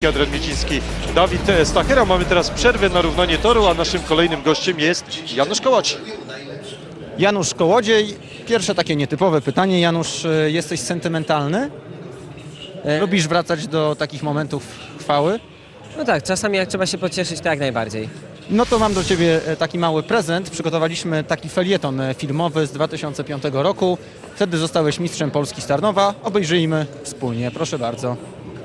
Adrian Mieciński, Dawid Stachera. Mamy teraz przerwę na równanie toru, a naszym kolejnym gościem jest Janusz Kołodziej. Janusz Kołodziej. Pierwsze takie nietypowe pytanie. Janusz, jesteś sentymentalny? Lubisz wracać do takich momentów chwały? No tak, czasami jak trzeba się pocieszyć, to jak najbardziej. No to mam do Ciebie taki mały prezent. Przygotowaliśmy taki felieton filmowy z 2005 roku. Wtedy zostałeś mistrzem Polski z Tarnowa. Obejrzyjmy wspólnie. Proszę bardzo.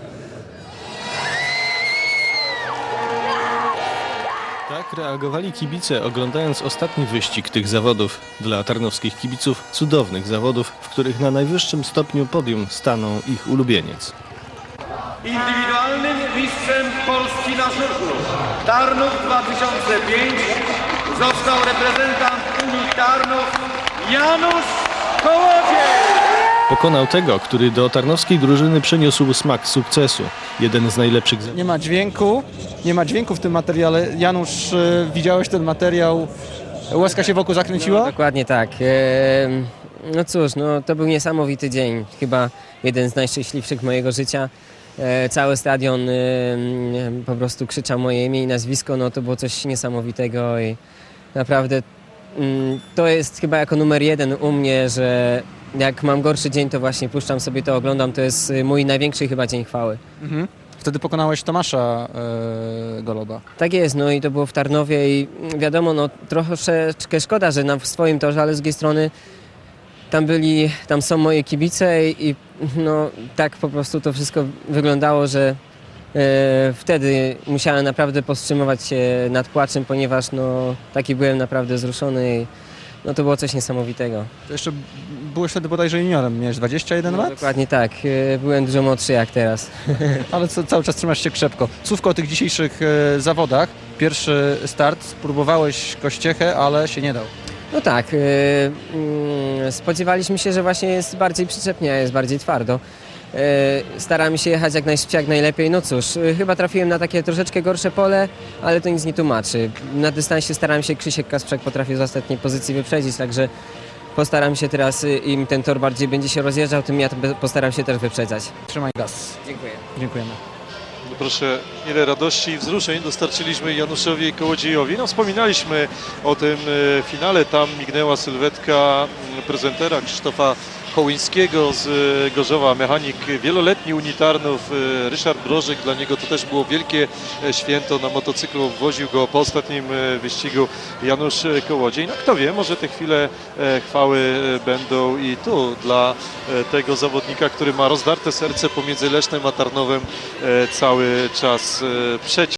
Tak reagowali kibice, oglądając ostatni wyścig tych zawodów. Dla tarnowskich kibiców cudownych zawodów, w których na najwyższym stopniu podium stanął ich ulubieniec. Indywidualnym mistrzem Polski na żużlu Tarnów 2005 został reprezentant Unii Tarnów Janusz Kołodziej. Pokonał tego, który do tarnowskiej drużyny przyniósł smak sukcesu. Jeden z najlepszych zawodów. Nie ma dźwięku w tym materiale. Janusz, widziałeś ten materiał? Łezka się wokół zakręciła? No, dokładnie tak. No cóż, no, to był niesamowity dzień. Chyba jeden z najszczęśliwszych mojego życia. Cały stadion po prostu krzyczał moje imię i nazwisko. No, to było coś niesamowitego i naprawdę to jest chyba jako numer jeden u mnie, że jak mam gorszy dzień, to właśnie puszczam sobie to, oglądam. To jest mój największy chyba dzień chwały. Mhm. Wtedy pokonałeś Tomasza Goloba. Tak jest, no i to było w Tarnowie i wiadomo, no troszeczkę szkoda, że w swoim torze, ale z drugiej strony tam są moje kibice i no tak po prostu to wszystko wyglądało, że wtedy musiałem naprawdę powstrzymywać się nad płaczem, ponieważ no taki byłem naprawdę wzruszony i no to było coś niesamowitego. To jeszcze byłeś wtedy bodajże juniorem, miałeś 21 lat? Dokładnie tak, byłem dużo młodszy jak teraz. Ale cały czas trzymasz się krzepko. Słówko o tych dzisiejszych zawodach. Pierwszy start, spróbowałeś Kościechę, ale się nie dał. No tak, spodziewaliśmy się, że właśnie jest bardziej przyczepnie, a jest bardziej twardo. Staramy się jechać jak najszybciej, jak najlepiej. No cóż, chyba trafiłem na takie troszeczkę gorsze pole, ale to nic nie tłumaczy. Na dystansie starałem się, Krzysiek Kasprzak potrafił z ostatniej pozycji wyprzedzić, także postaram się teraz, im ten tor bardziej będzie się rozjeżdżał, tym ja postaram się też wyprzedzać. Trzymaj gaz. Dziękuję. Dziękujemy. No proszę, ile radości i wzruszeń dostarczyliśmy Januszowi Kołodziejowi. No, wspominaliśmy o tym finale, tam mignęła sylwetka prezentera Krzysztofa Kołyńskiego z Gorzowa, mechanik wieloletni Unii Tarnów, Ryszard Brożek. Dla niego to też było wielkie święto. Na motocyklu woził go po ostatnim wyścigu Janusz Kołodziej. No kto wie, może te chwile chwały będą i tu dla tego zawodnika, który ma rozdarte serce pomiędzy Lesznem a Tarnowem cały czas przeciw.